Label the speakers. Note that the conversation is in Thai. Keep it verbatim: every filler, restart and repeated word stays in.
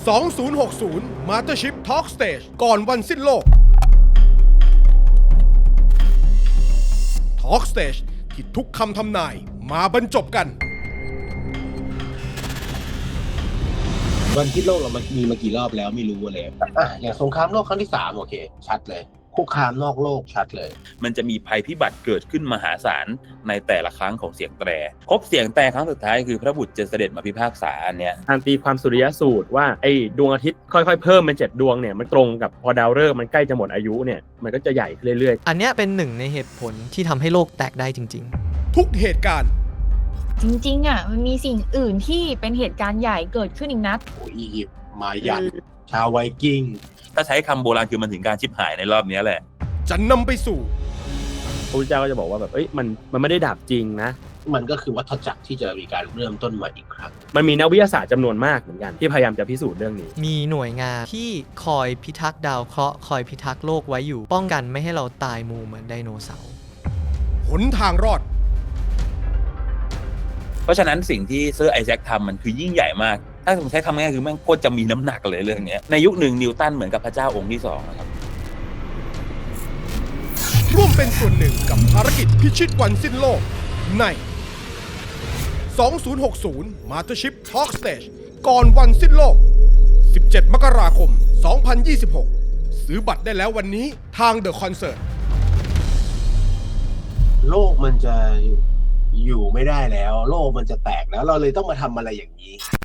Speaker 1: สองพันหกสิบ Mothership Talk Stage ก่อนวันสิ้นโลก Talk Stage ที่ทุกคำทำนายมาบรรจบกัน
Speaker 2: วันที่โลกเรามันมีมากี่รอบแล้วไม่รู้เลยอ่ะอย่างสงครามโลกครั้งที่สามโอเคชัดเลยคุกคามนอกโลกชัดเลย
Speaker 3: มันจะมีภัยพิบัติเกิดขึ้นมหาศาลในแต่ละครั้งของเสียงแตรครบเสียงแตรครั้งสุดท้ายคือพระบุตรจะเสด็จมาพิพากษาอันเนี้ย
Speaker 4: ทางตีความสุริยสูตรว่าไอ้ดวงอาทิตย์ค่อยๆเพิ่มเป็นเจ็ดดวงเนี่ยมันตรงกับพอดาวฤกษ์มันใกล้จะหมดอายุเนี่ยมันก็จะใหญ่ขึ้นเรื่อยๆ
Speaker 5: อันเนี้ยเป็นหนึ่งในเหตุผลที่ทำให้โลกแตกได้จริง
Speaker 1: ทุกเหตุการณ์
Speaker 6: จริงๆอ่ะมันมีสิ่งอื่นที่เป็นเหตุการณ์ใหญ่เกิดขึ้นอีกนะ
Speaker 2: โอ้อียิปต์มายันชาวไวกิ้ง
Speaker 3: ถ้าใช้คำโบราณคือมันถึงการชิบหายในรอบนี้แหละ
Speaker 1: จะนำไปสู่
Speaker 4: พระพุทธเจ้าก็จะบอกว่าแบบเอ้ยมันมันไม่ได้ดับจริงนะ
Speaker 2: มันก็คือวัฏจักรที่จะมีการเริ่มต้นใหม่อีกครั้ง
Speaker 4: มันมีนักวิทยาศาสตร์จำนวนมากเหมือนกันที่พยายามจะพิสูจน์เรื่องนี้
Speaker 5: มีหน่วยงานที่คอยพิทักษ์ดาวเคราะห์คอยพิทักษ์โลกไว้อยู่ป้องกันไม่ให้เราตายมูเหมือนไดโนเสาร์
Speaker 1: หนทางรอด
Speaker 3: เพราะฉะนั้นสิ่งที่เซอร์ไอแซคทำมันคือยิ่งใหญ่มากถ้าผมใช้คำง่ายคือแม่งโคตรจะมีน้ำหนักเลยเรื่องนี้ในยุคหนึ่งนิวตันเหมือนกับพระเจ้าองค์ที่สองนะครับ
Speaker 1: ร่วมเป็นส่วนหนึ่งกับภารกิจพิชิตวันสิ้นโลกใน สองพันหกสิบ Mothership Talk Stage ก่อนวันสิ้นโลก สิบเจ็ด มกราคม สองพันยี่สิบหก ซื้อบัตรได้แล้ววันนี้ทาง The Concert
Speaker 2: โลกมันจะอยู่ไม่ได้แล้วโลกมันจะแตกแล้วเราเลยต้องมาทำอะไรอย่างนี้